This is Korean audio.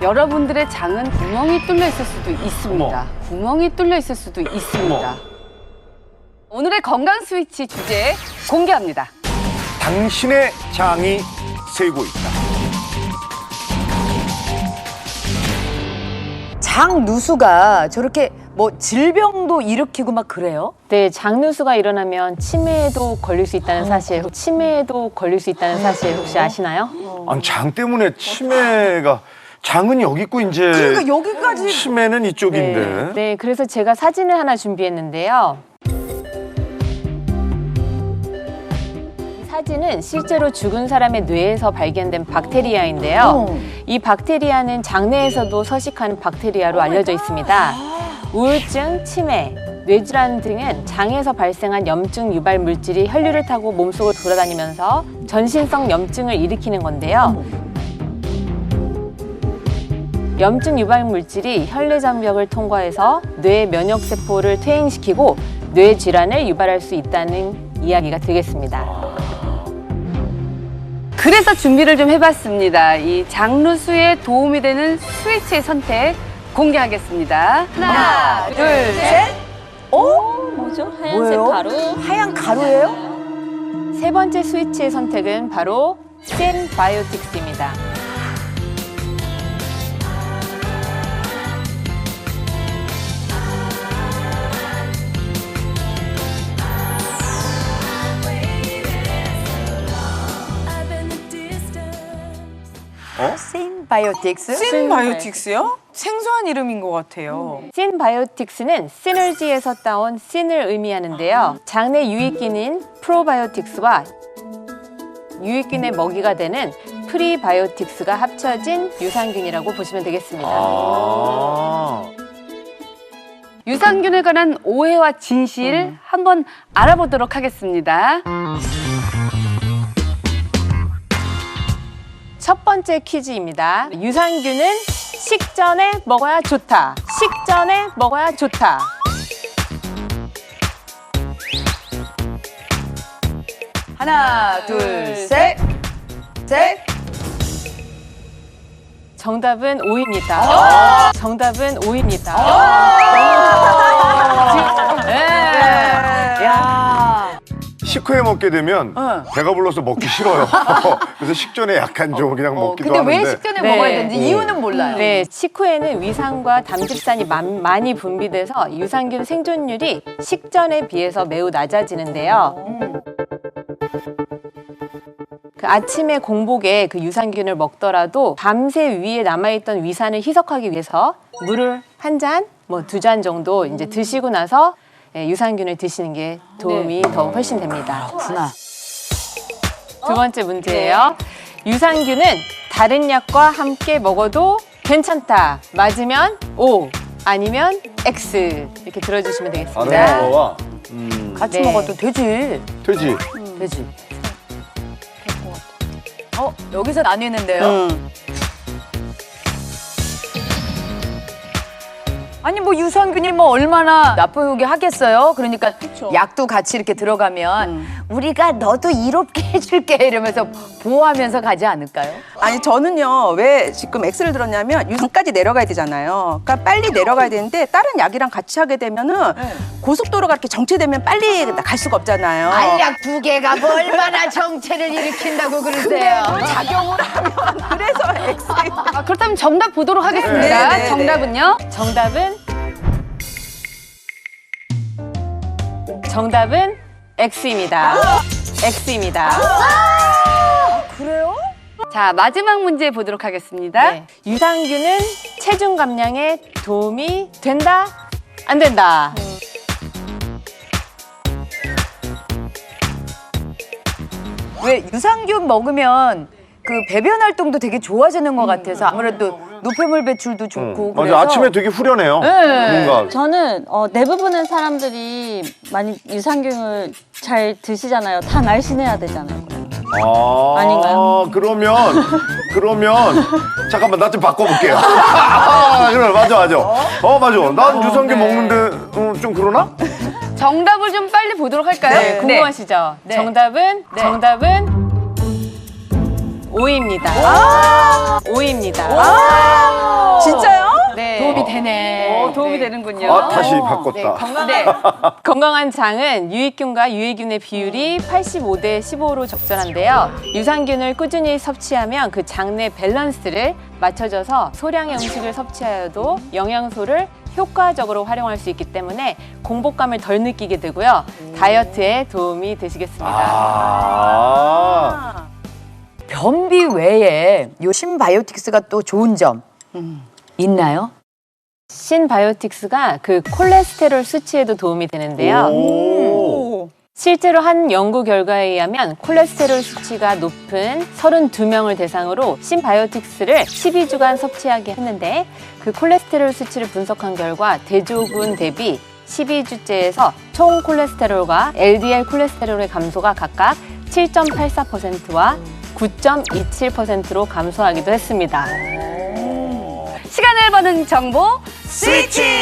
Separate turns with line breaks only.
여러분들의 장은 구멍이 뚫려 있을 수도 있습니다. 구멍이 뚫려 있을 수도 있습니다. 오늘의 건강 스위치 주제 공개합니다.
당신의 장이 세고 있다.
장 누수가 저렇게 뭐 질병도 일으키고 막 그래요?
네, 장누수가 일어나면 치매에도 걸릴 수 있다는 사실, 치매에도 걸릴 수 있다는 사실 혹시 아시나요?
아니, 장 때문에 치매가 장은 여기 있고 이제
그러니까 여기까지
치매는 이쪽인데.
네, 그래서 제가 사진을 하나 준비했는데요. 이 사진은 실제로 죽은 사람의 뇌에서 발견된 박테리아인데요. 이 박테리아는 장내에서도 서식하는 박테리아로 알려져 있습니다. 우울증, 치매, 뇌질환 등은 장에서 발생한 염증 유발 물질이 혈류를 타고 몸속을 돌아다니면서 전신성 염증을 일으키는 건데요. 염증 유발 물질이 혈내 장벽을 통과해서 뇌 면역 세포를 퇴행시키고 뇌 질환을 유발할 수 있다는 이야기가 되겠습니다.
그래서 준비를 좀 해봤습니다. 이 장누수에 도움이 되는 스위치의 선택 공개하겠습니다. 하나, 둘, 셋.
뭐죠?
뭐예요? 하얀 가루예요?
세 번째 스위치의 선택은 바로 신바이오틱스입니다.
신바이오틱스?
신바이오틱스요? 생소한 이름인 것 같아요.
신바이오틱스는 시너지에서 따온 신을 의미하는데요. 장내 유익균인 프로바이오틱스와 유익균의 먹이가 되는 프리바이오틱스가 합쳐진 유산균이라고 보시면 되겠습니다.
유산균에 관한 오해와 진실 한번 알아보도록 하겠습니다.
첫 번째 퀴즈입니다. 유산균은 식전에 먹어야 좋다. 식전에 먹어야 좋다.
하나, 둘, 셋. 셋.
정답은 O입니다. 정답은 O입니다.
야.
식후에 먹게 되면 배가 불러서 먹기 싫어요. 그래서 식전에 약간 좀 그냥 먹기도
근데
하는데.
왜 식전에
네.
먹어야 되는지 이유는 몰라요.
네, 식후에는 위산과 담즙산이 많이 분비돼서 유산균 생존율이 식전에 비해서 매우 낮아지는데요. 그 아침에 공복에 그 유산균을 먹더라도 밤새 위에 남아있던 위산을 희석하기 위해서 물을 한 잔, 뭐 2잔 정도 이제 드시고 나서 유산균을 드시는 게 도움이 더 훨씬 됩니다.
그렇구나.
두 번째 문제예요. 유산균은 다른 약과 함께 먹어도 괜찮다. 맞으면 O, 아니면 X. 이렇게 들어주시면 되겠습니다.
다른 거와
같이
네.
먹어도 되지.
되지.
되지. 여기서 나뉘는데요. 아니 뭐 유산균이 뭐 얼마나 나쁘게 하겠어요. 그러니까 약도 같이 이렇게 들어가면 우리가 너도 이롭게 해줄게 이러면서 보호하면서 가지 않을까요?
아니 저는요 왜 지금 X를 들었냐면 유산까지 내려가야 되잖아요. 그러니까 빨리 내려가야 되는데 다른 약이랑 같이 하게 되면은 고속도로가 이렇게 정체되면 빨리 갈 수가 없잖아요.
알약 2개가 뭐 얼마나 정체를 일으킨다고 그러세요?
작용을 하면 그래서 X.
그렇다면 정답 보도록 하겠습니다.
네, 네, 네.
정답은요?
정답은 X입니다. X입니다.
그래요?
자, 마지막 문제 보도록 하겠습니다.
네. 유산균은 체중 감량에 도움이 된다? 안 된다?
왜 유산균 먹으면 그 배변 활동도 되게 좋아지는 것 같아서 아무래도 노폐물 배출도 좋고 그래서
맞아. 아침에 되게 후련해요. 뭔가.
저는 대부분의 사람들이 많이 유산균을 잘 드시잖아요. 다 날씬해야 되잖아요. 아닌가요?
그러면 잠깐만 나 좀 바꿔볼게요. 그래 맞아. 맞아. 난 유산균 먹는데 좀 그러나?
정답을 좀 빨리 보도록 할까요?
네, 궁금하시죠?
네.
정답은 O입니다. O입니다.
진짜요?
네.
도움이 되네.
도움이 되는군요.
아, 다시 바꿨다.
건강한 장은 유익균과 유해균의 비율이 85대 15로 적절한데요. 유산균을 꾸준히 섭취하면 그 장 내 밸런스를 맞춰줘서 소량의 음식을 섭취하여도 영양소를 효과적으로 활용할 수 있기 때문에 공복감을 덜 느끼게 되고요. 다이어트에 도움이 되시겠습니다.
아.
변비 외에 요 신바이오틱스가 또 좋은 점 있나요?
신바이오틱스가 그 콜레스테롤 수치에도 도움이 되는데요.
오.
실제로 한 연구 결과에 의하면 콜레스테롤 수치가 높은 32명을 대상으로 신바이오틱스를 12주간 섭취하게 했는데 그 콜레스테롤 수치를 분석한 결과 대조군 대비 12주째에서 총 콜레스테롤과 LDL 콜레스테롤의 감소가 각각 7.84%와 9.27%로 감소하기도 했습니다.
시간을 버는 정보 스위치!